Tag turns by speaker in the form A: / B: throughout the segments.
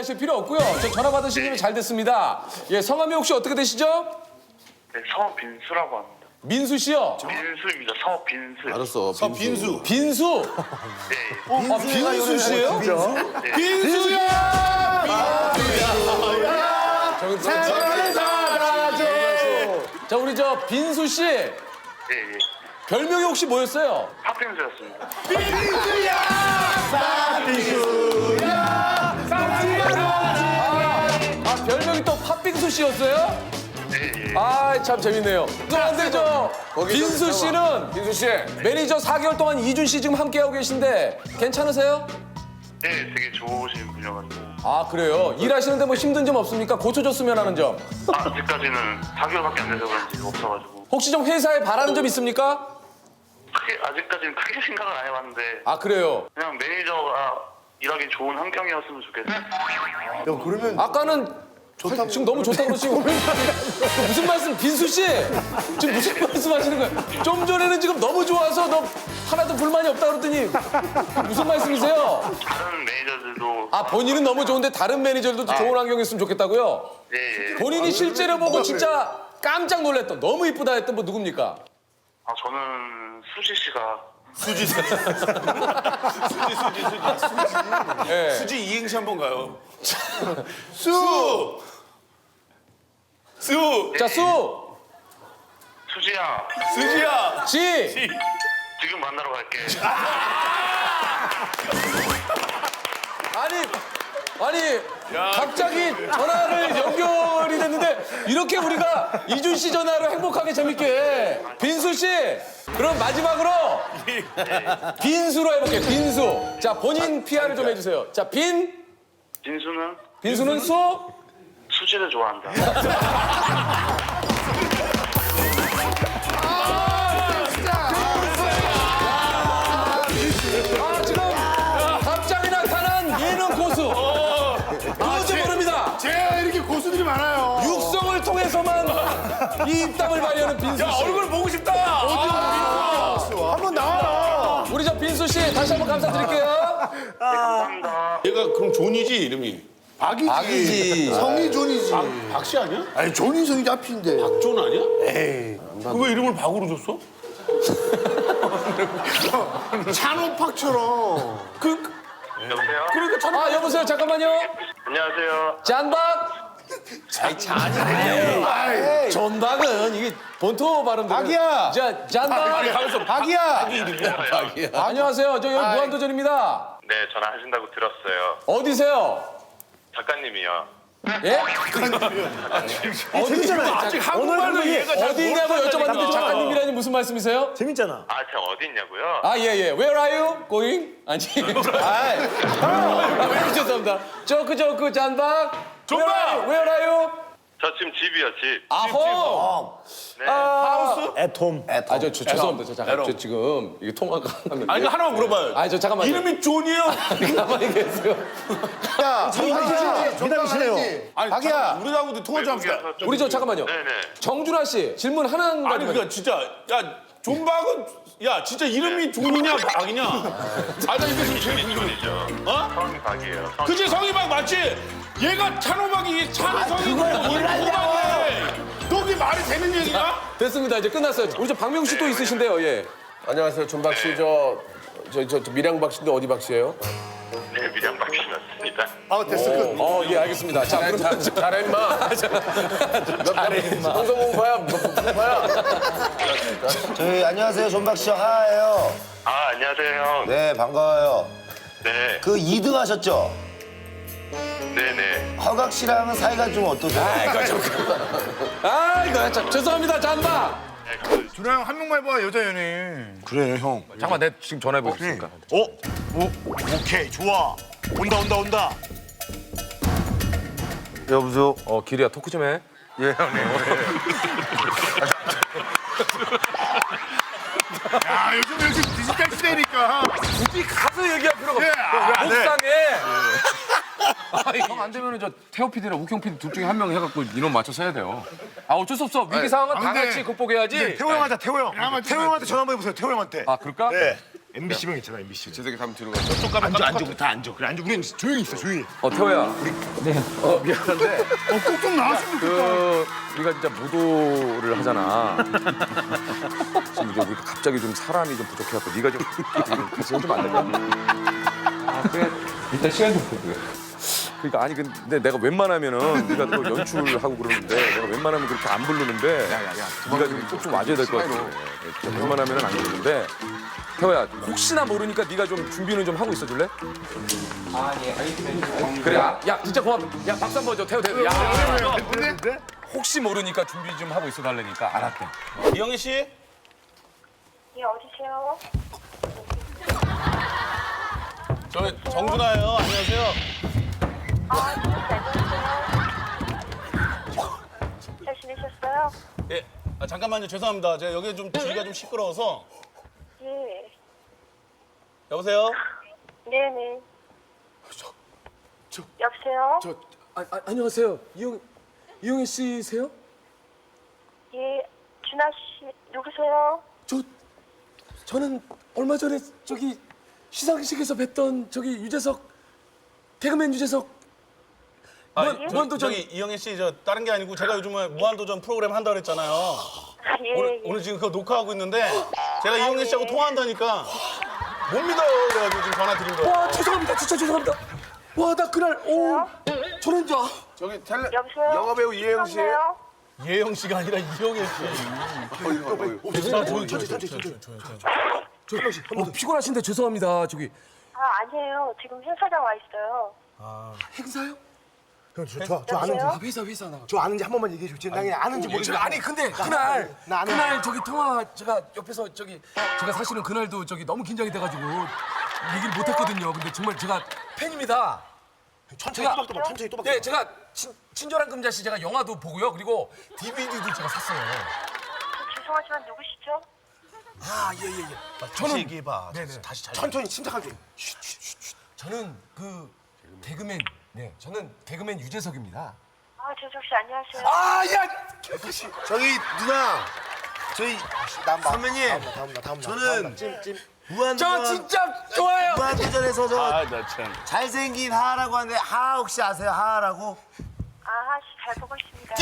A: 오해하실 필요 없고요. 저 전화 받으신 김에 잘 됐습니다. 예, 성함이 혹시 어떻게 되시죠?
B: 네, 성우 빈수라고 합니다.
A: 민수 씨요.
B: 빈수입니다. 성우 빈수.
C: 알았어. 빈수.
A: 빈수.
B: 네.
A: 아, 빈수 씨예요?
C: 빈수야!
A: 사랑을 받아줘. 자, 우리 저 빈수 씨
B: 예, 예.
A: 별명이 혹시 뭐였어요?
B: 팥빙수였습니다.
A: 아, 별명이 또 팥빙수 씨였어요?
B: 예, 예.
A: 아, 참 재밌네요. 그런데 저 빈수 씨는
C: 빈수 씨.
A: 매니저 4개월 동안 이준 씨 지금 함께하고 계신데 괜찮으세요?
B: 네, 되게 좋으신 분이어가지고.
A: 아, 그래요? 일하시는데 뭐 힘든 점 없습니까? 고쳐줬으면 하는 점.
B: 아직까지는 4개월밖에 안 돼서 그런지 없어가지고.
A: 혹시 좀 회사에 바라는 점 있습니까?
B: 아직까지는 크게 생각은 안 해봤는데.
A: 아, 그래요?
B: 그냥 매니저가 일하기 좋은 환경이었으면 좋겠어요.
D: 야, 그러면
A: 아까는 지금 너무 좋다고 그러시고 무슨 말씀, 빈수 씨? 지금 무슨 말씀 하시는 거예요? 좀 전에는 지금 너무 좋아서 너 하나도 불만이 없다 그러더니 무슨 말씀이세요?
B: 다른 매니저들도.
A: 아, 본인은 너무 좋은데 다른 매니저들도 좋은 환경이었으면 좋겠다고요?
B: 예, 예.
A: 본인이 실제로 보고 진짜 깜짝 놀랐던, 너무 이쁘다 했던 분 누굽니까?
B: 아, 저는 수지 씨가.
A: 예.
C: 수지 이행시 한번 가요.
D: 수!
C: 수!
A: 자, 수,
B: 수지야,
C: 수지야!
A: 지.
B: 지금 만나러 갈게.
A: 아니, 갑자기 전화를 연결이 됐는데 이렇게 우리가 이준 씨 전화로 행복하게 재밌게. 빈수 씨, 그럼 마지막으로 빈수로 해볼게요. 빈수. 자, 본인 PR을 좀 해주세요. 자, 빈수는 수.
B: 수지를 좋아한다.
A: 아, 지금 갑자기 나타난 예능 고수. 누군지 모릅니다.
D: 제가 이렇게 고수들이 많아요.
A: 육성을 통해서만 이 입담을 발휘하는 빈수 씨.
C: 얼굴 보고 싶다!
D: 한번 나와라.
A: 우리 저 빈수 씨 다시 한번 감사드릴게요.
B: 감사합니다.
C: 얘가 그럼 존이지, 이름이?
D: 박이지. 성이 존이지.
C: 박씨 아니야?
D: 아니, 존이 성이 앞인데.
C: 존 아니야? 에이. 왜 이름을 박으로 줬어?
D: 찬호팍처럼.
B: 여보세요?
A: 아, 여보세요. 잠깐만요.
B: 안녕하세요.
A: 잔박. 존박은 이게 본토 발음대로.
D: 박이야.
A: 자, 잔박.
D: 박이야.
A: 안녕하세요. 저 여기 무한도전입니다.
B: 네, 전화하신다고 들었어요.
A: 어디세요?
B: 작가님이요.
A: 예?
D: 재밌잖아요.
C: 아직 한국말로 이해가 잘
A: 어디 있냐고
C: 못한다니까.
A: 여쭤봤는데 작가님이라니 무슨 말씀이세요?
D: 재밌잖아.
B: 아, 제가 어디 있냐고요?
A: 아, 예, 예. Where are you going? 아니. 아, 죄송합니다. 조크 잔박.
C: 존박!
A: Where are you?
B: 저 지금 집이요, 집.
A: 아호.
B: 네.
A: 하우스?
D: 애톰.
A: 아, 저 죄송합니다. 저 잠깐 저 지금 이게 통화가 하면.
C: 아니, 하나만 물어봐요.
A: 아니, 저 잠깐만요.
C: 이름이 존이에요?
A: 가만히 계세요.
D: 야, 정답이시네요.
C: 아니,
D: 박이야.
C: 우리하고도 통화 좀 합시다.
B: 외국에서
A: 우리 저 잠깐만요.
B: 네네.
A: 정준하 씨 질문 하나만.
C: 아니, 그니까 진짜, 야, 존박은, 야, 진짜 이름이 존이냐, 박이냐? 아, 나 이게 좀 제일 궁금해.
B: 이죠
C: 어?
B: 성이 박이에요. 성이.
C: 그치, 성희박 맞지? 얘가 찬호박이 찬성이고 이름이 호박이네. 그게 말이 되는 얘기야?
A: 됐습니다. 이제 끝났어요. 우리 저 박명수 씨 또 있으신데요. 예.
E: 안녕하세요, 존박 씨. 저 밀양박 씨인데 어디 박 씨예요?
B: 네, 미량 박씨 맞습니다.
D: 아, 됐어. 끝.
A: 예, 알겠습니다. 자, 그러면
E: 잘해 임마. 잘해 임마. 방송공파야, 공파야.
F: 저희 안녕하세요, 존박 씨 하예요.
B: 아, 안녕하세요, 형.
F: 네, 반가워요.
B: 네.
F: 그 2등 하셨죠?
B: 네네.
F: 허각 씨랑은 사이가 좀 어떠세요?
A: 아, 이거 참 죄송합니다. 잔박.
D: 준하 형 한 명만 해봐, 여자 연예인.
F: 그래, 형.
E: 잠깐만, 내가 지금 전화해 보겠습니다.
D: 오케이, 좋아. 온다.
F: 여보세요?
E: 기리야, 토크 좀 해.
D: 야, 요즘 디지털 시대니까.
E: 굳이 가서 얘기할 필요가 없어.
D: 아, 네.
E: 속상해. 형 안 되면 저 태호 PD나 우경 PD 둘 중에 한 명 해갖고 인원 맞춰서 해야 돼요. 아, 어쩔 수 없어. 위기 상황은 다
D: 근데-
E: 같이 극복해야지.
D: 태호 형한테 전화 한번 해보세요, 태호 형한테.
E: 아, 그럴까?
D: 네. MBC명 있잖아 MBC.
E: 재석이 가면 뒤로 가서.
D: 저쪽 가면 앉아 우리 다 앉아. 그래 앉아. 우리는 조용히 있어 조용히.
E: 태호야. 네. 미안한데.
D: 꼭 좀 나왔으면 좋겠다.
E: 우리가 진짜 무도를 하잖아. 지금 이제 우리가 갑자기 좀 사람이 좀 부족해갖고 네가 좀 같이 해주면 안 될까?
A: 그래 일단 시간 좀 보고요.
E: 그러니까 아니 근데 내가 웬만하면은 네가 또 연출하고 그러는데 내가 웬만하면 그렇게 안 부르는데 네가 좀 꼭 좀 와줘야 될 것 같아. 진짜 웬만하면은 안 부르는데 태호야 혹시나 모르니까 네가 좀 준비는 좀 하고 있어줄래?
A: 아예 알겠습니다.
E: 그래 야 진짜 고맙다. 야 박수 한번 줘 태호 태호. 야 혹시 모르니까 준비 좀 하고 있어 달라니까 알았대.
C: 이영애 씨?
G: 예, 어디세요?
C: 저 정준하예요. 안녕하세요.
G: 아, 네, 안녕하세요. 잘 지내셨어요?
C: 예. 잠깐만요. 죄송합니다. 제가 여기 좀 주위가 좀 시끄러워서.
G: 예.
C: 여보세요?
G: 네네. 여보세요?
A: 안녕하세요. 이영애 씨세요?
G: 예, 준하 씨, 누구세요?
A: 저는 얼마 전에 저기 시상식에서 뵀던 저기 유재석 개그맨 유재석 무한도전
C: 저기 이영애 씨, 저 다른 게 아니고 제가 요즘에 무한도전 프로그램 한다 그랬잖아요.
G: 아, 예, 예.
C: 오늘 지금 그거 녹화하고 있는데 제가 이영애 씨하고 통화한다니까 못 믿어요. 그래가지고 지금 전화 드린 거예요.
A: 와 죄송합니다 진짜 죄송합니다. 와 나 그날 저는
E: 저기
G: 여보세요?
E: 영화배우 이혜영 씨.
G: 여보세요?
C: 예영 씨가 아니라 이영애 씨.
A: 피곤하신데 죄송합니다. 저기
G: 아, 아니에요. 지금 행사장 와 있어요.
A: 행사요?
D: 저
G: 여보세요?
A: 회사 나가.
D: 저 아는지 한 번만 얘기해 주지. 나 그냥 아는지 모르겠어.
A: 아니 근데 그날
D: 나 안 해.
A: 그날 저기 통화 제가 옆에서 저기 제가 사실은 그날도 저기 너무 긴장이 돼가지고 얘기를 못했거든요. 근데 정말 제가 팬입니다.
D: 천천히 또박또박 천천히 또박.
A: 네, 제가 친절한 금자씨 제가 영화도 보고요. 그리고 DVD도 제가 샀어요.
G: 죄송하지만 누구시죠?
A: 아, 예.
C: 다시 얘기해봐.
A: 네네.
C: 다시 잘.
D: 천천히 침착하게.
A: 저는 그 개그맨, 저는 개그맨 유재석입니다.
G: 아, 재석 씨, 안녕하세요.
A: 아, 야!
F: 저기 누나 저희 선배님 저는
A: 저 진짜 좋아요.
F: 무한도전에서 저
C: 나 참.
F: 잘생긴 하하라고 하는데 하하 혹시 아세요? 하하라고?
G: 아, 씨, 잘 보고 있습니다.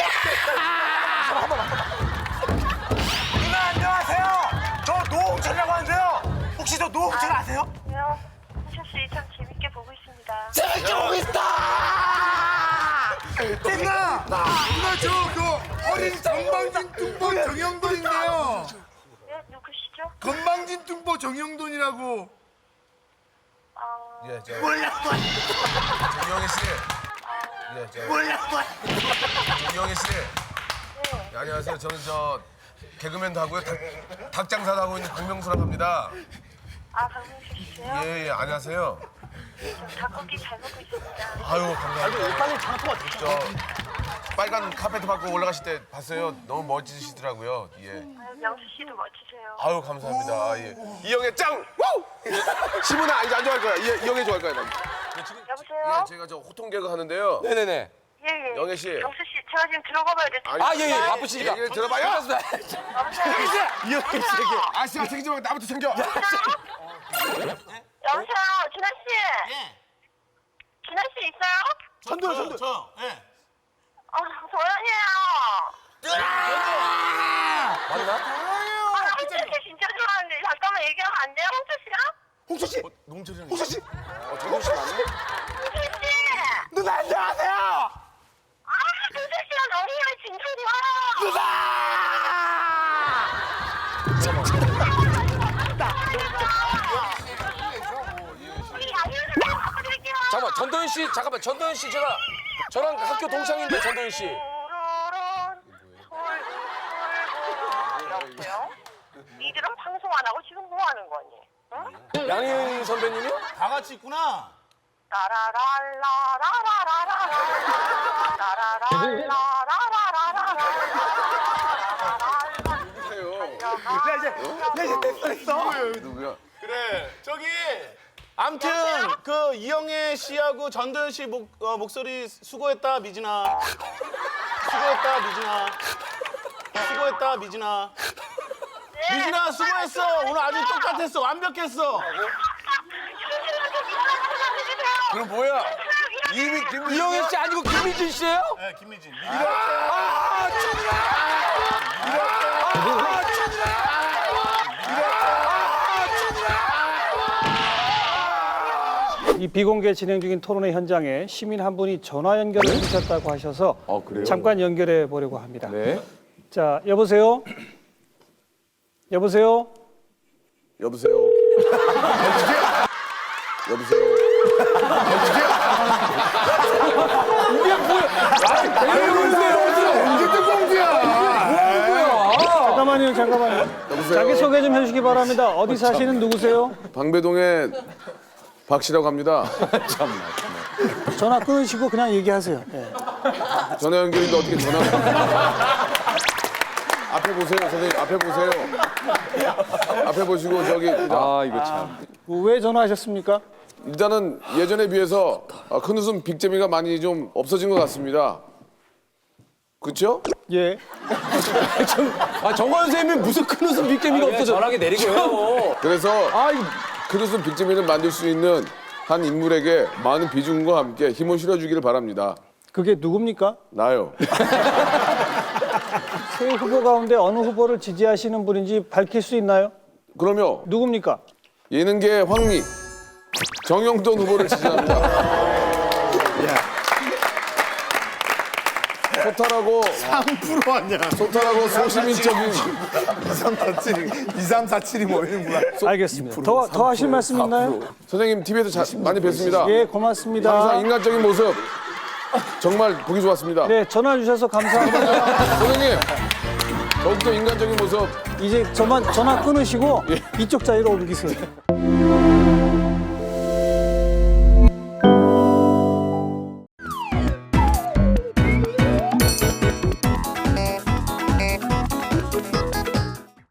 F: 누나 안녕하세요. 저 노홍철이라고 하는데요. 혹시 저 노홍철 아세요?
G: 안녕하세요. 혜철 씨, 참 재밌게 보고 있습니다.
F: 재밌게 보고 있다. 누나 저그 어린 건방진 뚱보 정영돈인데요.
G: 네, 누구시죠?
F: 건방진 뚱보 정영돈이라고.
E: 이영애 씨. 이영애 씨.
G: 네.
E: 안녕하세요. 저는 저 개그맨도 하고요. 닭장사도 하고 있는 박명수라고 합니다.
G: 아, 박명수 씨세요?
E: 예, 안녕하세요.
G: 닭고기 잘 먹고 있습니다.
E: 아유, 감사합니다.
D: 빨리 장소가 됐죠.
E: 빨간 카페트 밟고 올라가실 때 봤어요. 너무 멋지시더라고요. 예.
G: 아유, 명수 씨도 멋지세요.
E: 아유, 감사합니다. 아, 예. 이영애 짱! 우! 시문아, 이제 안 좋아할 거야. 이영애 좋아할 거야. 난.
G: 여보세요?
E: 예, 제가 저 호통 개그 하는데요.
A: 네네네.
G: 예.
E: 영애 씨.
G: 명수 씨, 제가 지금 들어가 봐야 돼.
A: 아, 예, 바쁘시니까.
E: 얘기를 들어봐요.
G: 여보세요?
E: 이영애 씨. 아씨가 책임지 말고 나부터 챙겨.
G: 여보세요? 준하 씨?
C: 예.
G: 준하 씨 있어요?
C: 저. 예.
G: 아, 도연이에요.
A: 맞나?
G: 아, 홍철 씨 진짜 좋아하는데 잠깐만 얘기하면 안 돼요, 홍철 씨랑?
D: 홍철 씨.
E: 농철이랑.
D: 홍철 씨.
E: 정국 씨 맞네?
G: 홍철 씨!
D: 누나 안녕하세요.
G: 아, 홍철 씨랑 너무 진짜 좋아요. 우리 양념 좀 바꿔드릴게요.
A: 잠깐만, 전도연 씨, 전도연 씨 제가 저랑 학교 동창인데 전도연 씨.
G: 여보세요? 니들은 방송 안 하고 지금 뭐 하는 거니? 응?
A: 양희은 선배님이요?
C: 다 같이 있구나.
E: 누구야?
C: 그래. 저기 암튼 그 이영애 씨하고 전도연 씨 목소리 수고했다 미진아. 수고했다 미진아. 수고했다 미진아.
G: 네,
C: 미진아 수고했어. 오늘 아주 똑같았어. 완벽했어.
F: 그럼 뭐야? 이미 김
A: 이영애 씨 아니고 김미진 씨예요?
C: 네, 김미진.
H: 이 비공개 진행 중인 토론회 현장에 시민 한 분이 전화 연결을 해주셨다고 하셔서
E: 그래요?
H: 잠깐 연결해 보려고 합니다.
E: 네.
H: 자, 여보세요? 여보세요?
F: 여보세요. 여보세요.
H: 잠깐만요. 자기 소개 좀 해주시기 바랍니다. 어디 사시는 누구세요?
F: 방배동의 박 씨라고 합니다.
H: 전화 끊으시고 그냥 얘기하세요. 예.
F: 전화 연결인데 어떻게 전화? 앞에 보세요, 선생님. 앞에 보세요. 앞에 보시고 저기
E: 이거 참.
H: 왜 전화하셨습니까?
F: 일단은 예전에 비해서 큰 웃음 빅재미가 많이 좀 없어진 것 같습니다. 그렇죠?
H: 예.
A: 정관 선생님이 무슨 큰 웃음 빅재미가 없어져. 전화기 내리고요.
F: 그래서 큰 웃음 빅재미를 만들 수 있는 한 인물에게 많은 비중과 함께 힘을 실어주기를 바랍니다.
H: 그게 누굽니까?
F: 나요.
H: 세 후보 가운데 어느 후보를 지지하시는 분인지 밝힐 수 있나요?
F: 그러면
H: 누굽니까?
F: 예능계 황리 정영돈 후보를 지지합니다. 소탈하고
D: 3% 아니야.
F: 소탈하고 소시민적인
D: 2347이 모이는구나.
H: 알겠습니다. 더 하실 말씀 있나요?
F: 선생님 TV에서 많이 뵀습니다.
H: 예, 고맙습니다.
F: 항상 인간적인 모습 정말 보기 좋았습니다.
H: 네, 전화 주셔서 감사합니다.
F: 선생님 더욱더 인간적인 모습
H: 이제 전화 끊으시고 이쪽 자리로 옮기세요.